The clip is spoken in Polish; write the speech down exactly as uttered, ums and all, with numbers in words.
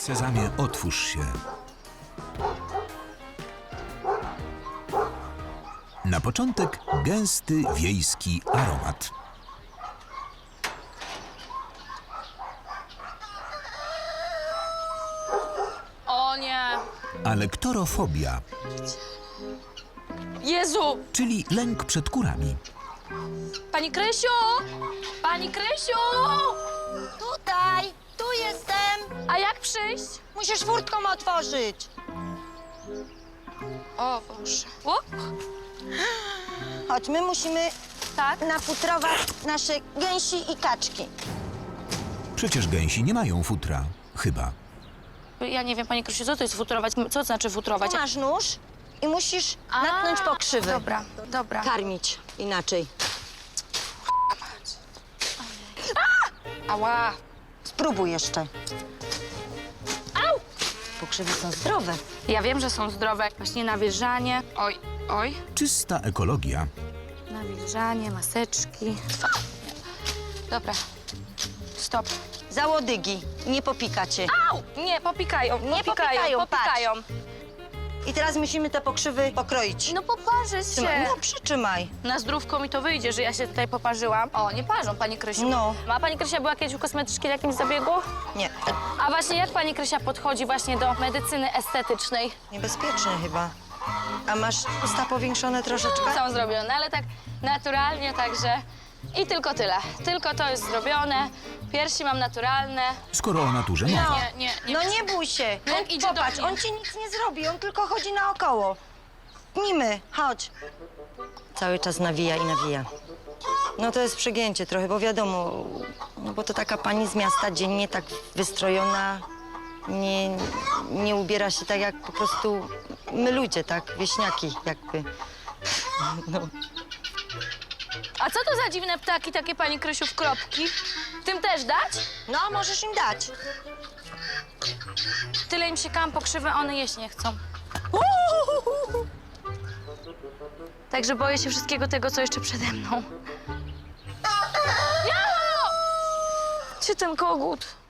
Sezamie, otwórz się. Na początek gęsty, wiejski aromat. O nie! Ale ktorofobia, Jezu! czyli lęk przed kurami. Pani Krysiu! Pani Krysiu! Tutaj, tu jestem. A jak przyjść? Musisz furtką otworzyć. O Boże. Up. Chodź, my musimy Tak? nafutrować nasze gęsi i kaczki. Przecież gęsi nie mają futra. Chyba. Ja nie wiem, Pani Krysiu, co to jest futrować? Co to znaczy futrować? Tu masz nóż i musisz natknąć A, pokrzywy. Dobra, dobra. Karmić inaczej. Ała! Spróbuj jeszcze. Au! Pokrzywy są zdrowe. Ja wiem, że są zdrowe. Właśnie nawilżanie. Oj, oj. Czysta ekologia. Nawilżanie, maseczki. Dobra. Stop. Za łodygi. Nie popikacie. Au! Nie, popikają, Nie popikają, popikają, popikają. I teraz musimy te pokrzywy pokroić. No poparzę Trzymaj. się. No, przytrzymaj. Na zdrówko mi to wyjdzie, że ja się tutaj poparzyłam. O, nie parzą, Pani Krysiu. No. Ma Pani Krysia była kiedyś u kosmetyczki w jakimś zabiegu? Nie. A właśnie jak Pani Krysia podchodzi właśnie do medycyny estetycznej? Niebezpieczne chyba. A masz usta powiększone troszeczkę? Są zrobione, ale tak naturalnie, także... I tylko tyle. Tylko to jest zrobione. Piersi mam naturalne. Skoro o naturze mowa. Nie, nie, nie. No nie bój się. No jak On, idzie do popatrz, mnie. on ci nic nie zrobi, on tylko chodzi naokoło. Pnijmy, chodź. Cały czas nawija i nawija. No to jest przegięcie trochę, bo wiadomo, no bo to taka pani z miasta dziennie tak wystrojona, nie, nie ubiera się tak jak po prostu my ludzie, tak, wieśniaki jakby. No. A co to za dziwne ptaki takie, Pani Krysiu, w kropki? Tym też dać? No, możesz im dać. Tyle im siekałam pokrzywy, a one jeść nie chcą. Także boję się wszystkiego tego, co jeszcze przede mną. Ja! Gdzie ten kogut?